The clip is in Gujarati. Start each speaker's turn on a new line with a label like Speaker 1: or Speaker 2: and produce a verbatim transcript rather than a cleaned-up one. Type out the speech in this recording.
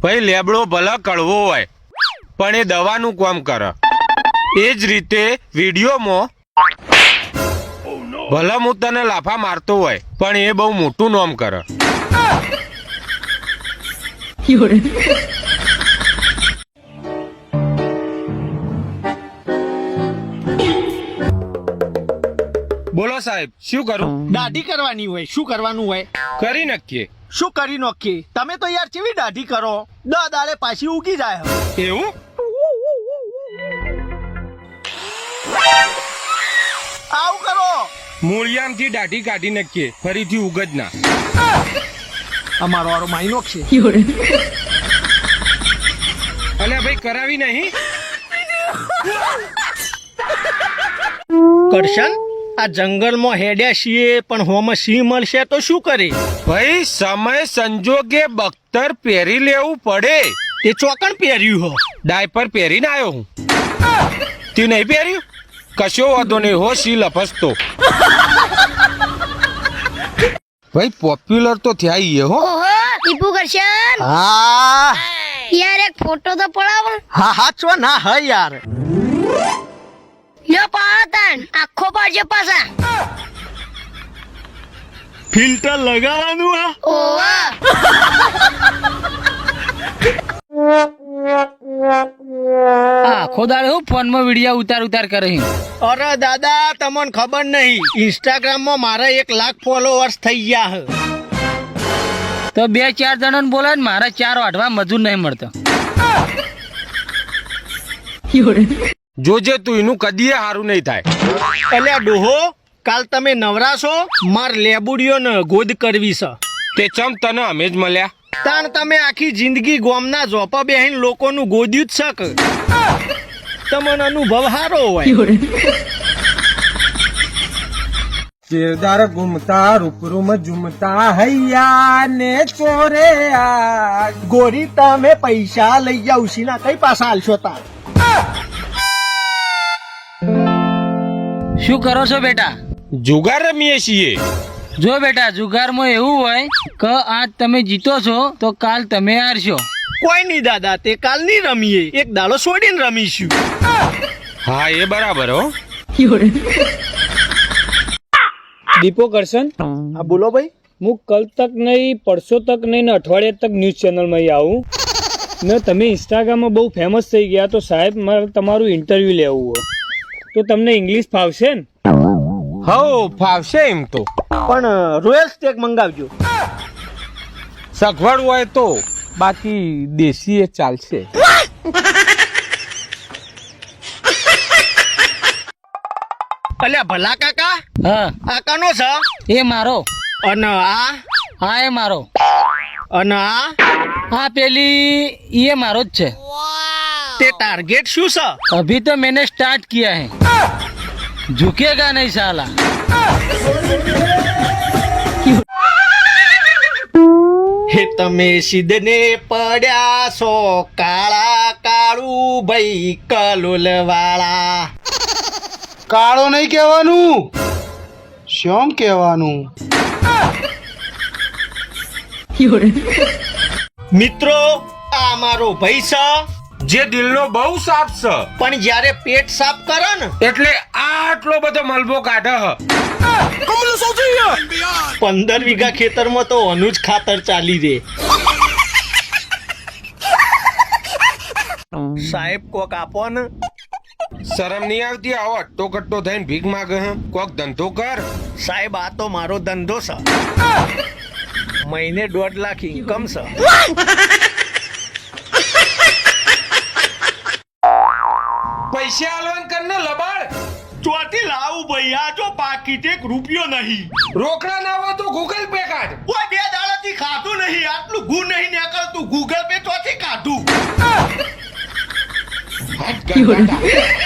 Speaker 1: ભાઈ લેબડો ભલે કડવો હોય પણ એ દવાનું કામ કરે. એ જ રીતે વિડીયોમાં ભલે હું તને લાફા મારતો હોય પણ એ બહુ મોટું નામ કરે. બોલો સાહેબ, શું કરું?
Speaker 2: દાઢી કરવાની હોય. શું કરવાનું હોય?
Speaker 1: કરી નક્કી.
Speaker 2: શું કરી નાખીએ? તમે તો યાર કેવી દાઢી કરો, દ દાડે પાછી ઉગી જાય.
Speaker 1: એવું?
Speaker 2: આવું કરો.
Speaker 1: મૂળિયામથી દાઢી કાઢી નક્કી, ફરીથી ઉગજ ના.
Speaker 2: અમારો વારો માઇનો છે.
Speaker 1: અલ્યા ભાઈ, કરાવી નહીં.
Speaker 2: કરશન, આ જંગલમાં હેડ્યા છીએ પણ હોમાં સિંહ મળશે તો શું કરે?
Speaker 1: ભાઈ, સમય સંજોગે બખ્તર પહેરી લેવું પડે.
Speaker 2: તે ચોકણ પહેર્યું હો.
Speaker 1: ડાયપર પહેરીને આવ્યો હું. તું નહીં પહેર્યું? કશો વાંધો નહીં, હો સી લપસતો. ભાઈ, પોપ્યુલર તો થયા ઈ હો.
Speaker 3: ઓહો, ટીપુ કરશન.
Speaker 2: હા
Speaker 3: યાર એક ફોટો તો પડાવો.
Speaker 2: હા હા છો ના હ યાર.
Speaker 3: લ્યો પાડતાન આખો પાડજો પાછા.
Speaker 2: ફિલ્ટર લગાવવાનું આ.
Speaker 3: ઓવા
Speaker 4: આખો દાડે હું ફોનમાં વિડિયો ઉતાર ઉતાર કરે છે.
Speaker 2: અરે દાદા, તમને ખબર નહીં, ઇન્સ્ટાગ્રામ માં મારા એક લાખ ફોલોઅર્સ થઈ ગયા હે.
Speaker 4: તો બે ચાર જણાને બોલે ને મારા ચાર વાઢવા મજૂર નહીં મળતો.
Speaker 1: જોજે તું, એનું કદીએ સારું નહીં થાય.
Speaker 2: અલ્યા ડોહો, કાલ તમે નવરાશો, માર લેબુડીઓ ને ગોદ કરવી છે.
Speaker 1: તે ચમ તને અમે જ મળ્યા.
Speaker 2: તાણ તમે આખી જિંદગી ગોમના ઝોપા બેહીને લોકોનું ગોદ્યું જ શક. તમને અનુભવ સારો હોય.
Speaker 5: કેદાર ઘૂમતા રૂપરૂમ ઝુમતા હૈયા ને ચોરે આ.
Speaker 2: ગોરી, તમે પૈસા લઈ જાવ સીના કઈ પાછા હાલશો તાર?
Speaker 4: શું કરો છો બેટા?
Speaker 1: જુગાર રમીએ છીએ.
Speaker 4: જો બેટા, જુગારમાં એવું હોય કે આજ તમે જીતો છો તો કાલ તમે હારશો.
Speaker 2: કોઈ નહીં દાદા, તે કાલ નહીં રમીએ, એક દાડો છોડીને રમીશું.
Speaker 1: હા, એ બરાબર હો.
Speaker 6: દીપો કરશન,
Speaker 2: હા બોલો ભાઈ.
Speaker 6: હું કલ તક નહીં, પરસો તક નહીં ને અઠવાડિયા તક ન્યૂઝ ચેનલમાં આવું ને તમે ઇન્સ્ટાગ્રામમાં બહુ ફેમસ થઈ ગયા તો સાહેબ મારે તમારું ઇન્ટરવ્યુ લેવું હોય તો તમને ઇંગ્લિશ ફાવશે ને?
Speaker 1: હો, ફાવશે એમ તો,
Speaker 2: પણ રોયલ સ્ટેક મંગાવજો.
Speaker 1: સગવડ હોય તો, બાકી દેશી એ ચાલશે.
Speaker 2: અલ્યા ભલા કાકા,
Speaker 4: હા,
Speaker 2: આ કાનો છે?
Speaker 4: એ મારો.
Speaker 2: અને આ?
Speaker 4: હા, એ મારો.
Speaker 2: અને આ?
Speaker 4: હા, પેલી એ મારો જ છે.
Speaker 2: તે ટાર્ગેટ શું છે?
Speaker 4: અભી તો मैंने स्टार्ट किया है, झुकेगा नहीं साला.
Speaker 2: હે તમે સિદ્ધને પડ્યા છો, કાળા કાળું ભાઈ કલોલ વાળા.
Speaker 5: કાળો નહીં કહેવાનું, શ્યામ કહેવાનું.
Speaker 2: મિત્રો, આ મારો ભાઈ છે
Speaker 1: જે દિલનો બહુ સાફ છે
Speaker 2: પણ જ્યારે પેટ સાફ કરે ને
Speaker 1: એટલે આટલો બધો મલબો કાઢે હ.
Speaker 2: પંદર વીઘા ખેતરમાં તો અનુજ ખાતર ચાલી રે. સાહેબ કોક આપો ને.
Speaker 1: શરમ નહીં આવતી? આવો અટ્ટો કટ્ટો થઈને ભીખ માગે હે. કોક ધંધો કર.
Speaker 2: સાહેબ, આ તો મારો ધંધો છે. મહિને દોઢ લાખ ઇન્કમ છે.
Speaker 1: પૈસા આલવાન કર ને લબાડ.
Speaker 2: ચોથી લાવું ભાઈ, આ જો પાકીટ એક રૂપિયો નહીં.
Speaker 1: રોકડા ના હોય તો ગૂગલ પે કાઢ.
Speaker 2: કોઈ બે દાડાથી ખાધું નહીં, આટલું ગુ નહીં નીકળતું. ગૂગલ પે ચોથી કાઢું.
Speaker 1: હાથ ગંદા.